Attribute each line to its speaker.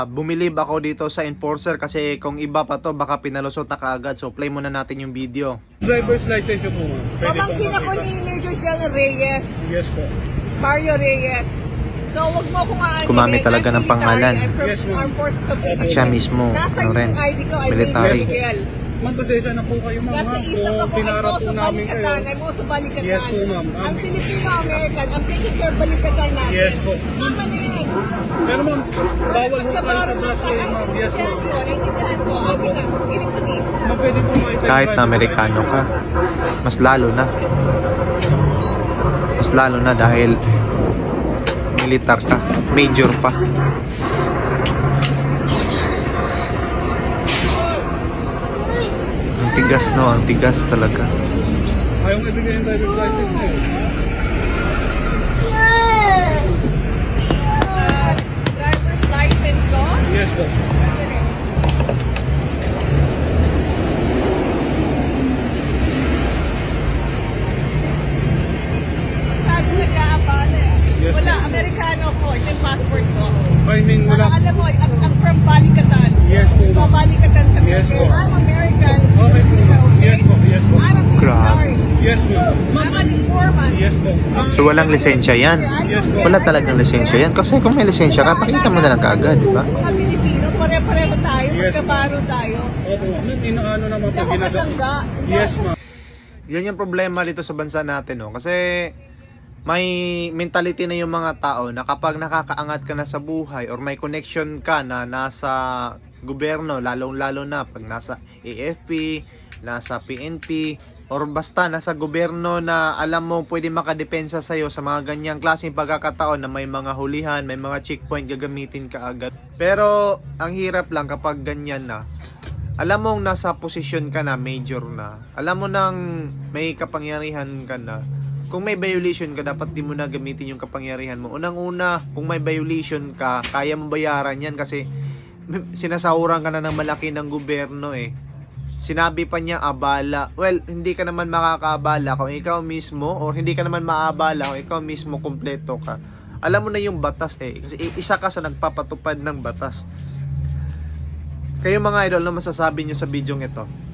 Speaker 1: Bumilib ako dito sa enforcer kasi kung iba pa to baka pinalusot na kaagad. So play muna natin yung video.
Speaker 2: Driver's license nyo po. Pwede
Speaker 3: Pamangkin
Speaker 2: pong
Speaker 3: ako
Speaker 2: makita.
Speaker 3: ni Major General Reyes,
Speaker 2: Yes po.
Speaker 3: Mario Reyes. So wag mo akong aanin.
Speaker 1: Gumamit talaga ng pangalan.
Speaker 3: I'm from
Speaker 2: Yes, ma'am.
Speaker 3: Armed Forces of the
Speaker 1: At
Speaker 3: Philippines.
Speaker 1: siya mismo,
Speaker 3: Nasa
Speaker 1: ano rin,
Speaker 3: yung ID ko, ay
Speaker 1: military.
Speaker 3: Major Miguel.
Speaker 2: Ma'am, pasensya na po kayo ma'am.
Speaker 3: Kasi
Speaker 2: ha?
Speaker 3: isa
Speaker 2: Kung
Speaker 3: ako,
Speaker 2: pinarap po
Speaker 3: sa
Speaker 2: namin kayo.
Speaker 3: balikatan, I'm also balikatan.
Speaker 2: Yes po, ma'am.
Speaker 3: Ang Filipino-American, ang taking care balikatan natin.
Speaker 2: Yes po.
Speaker 3: Tama na yan.
Speaker 2: Pero ma'am, bawal po tayo sa
Speaker 3: Magkabaro lang
Speaker 2: bus eh, ma'am. Yes ma'am.
Speaker 3: Naintindihan ko. Okay na. Sige ko dito.
Speaker 2: Ma'am, pwede po makita.
Speaker 1: Kahit na Amerikano ka, mas lalo na. Mas lalo na dahil militar ka, major pa. Ang tigas no, ang tigas talaga.
Speaker 2: Ayaw nga ibigay yung driver's license nyo.
Speaker 3: Driver's license ko.
Speaker 2: Yes po.
Speaker 3: Masyado nag-aabala eh.
Speaker 2: Yes,
Speaker 3: Wala,
Speaker 2: ma'am.
Speaker 3: Amerikano ko. Ito yung passport ko.
Speaker 2: I mean, wala.
Speaker 3: Parang alam mo, I'm from Balikatan.
Speaker 2: Yes, po, ma'am.
Speaker 3: From Balikatan sa
Speaker 2: Yes, po.
Speaker 3: I'm American.
Speaker 2: Okay po, ma'am. Yes po, yes po.
Speaker 3: I'm a military.
Speaker 2: Yes ma'am.
Speaker 3: I'm an informant.
Speaker 2: Yes po.
Speaker 1: So walang lisensya yan.
Speaker 2: Yes po.
Speaker 1: Wala talagang lisensya yan. Kasi kung may lisensya ka, pakita mo na lang kaagad, di ba?
Speaker 3: Mga Pilipino, pare-pareho tayo.
Speaker 2: Yes.
Speaker 3: Magkabaro tayo.
Speaker 2: Opo ma'am. Inaano naman
Speaker 3: Hindi
Speaker 2: po
Speaker 3: ako
Speaker 2: ginagawa.
Speaker 3: kasangga.
Speaker 2: Yes ma'am.
Speaker 1: Yan yung problema dito sa bansa natin, no? Kasi may mentality na yung mga tao na kapag nakakaangat ka na sa buhay or may connection ka na nasa gobyerno, lalong-lalo na pag nasa AFP, nasa PNP, or basta nasa gobyerno na alam mo pwede makadepensa sa'yo sa mga ganyang klaseng pagkakataon na may mga hulihan, may mga checkpoint gagamitin ka agad. Pero ang hirap lang kapag ganyan na. Alam mong nasa posisyon ka na, major na. Alam mo nang may kapangyarihan ka na. Kung may violation ka, dapat di mo na gamitin yung kapangyarihan mo. Unang-una, kung may violation ka, kaya mo bayaran yan kasi sinasahuran ka na ng malaki ng gobyerno eh. Sinabi pa niya abala. Well, hindi ka naman makakaabala kung ikaw mismo or hindi ka naman maabala kung ikaw mismo kumpleto ka. Alam mo na yung batas eh. Kasi isa ka sa nagpapatupad ng batas. Kayo mga idol, ano masasabi nyo sa video ito?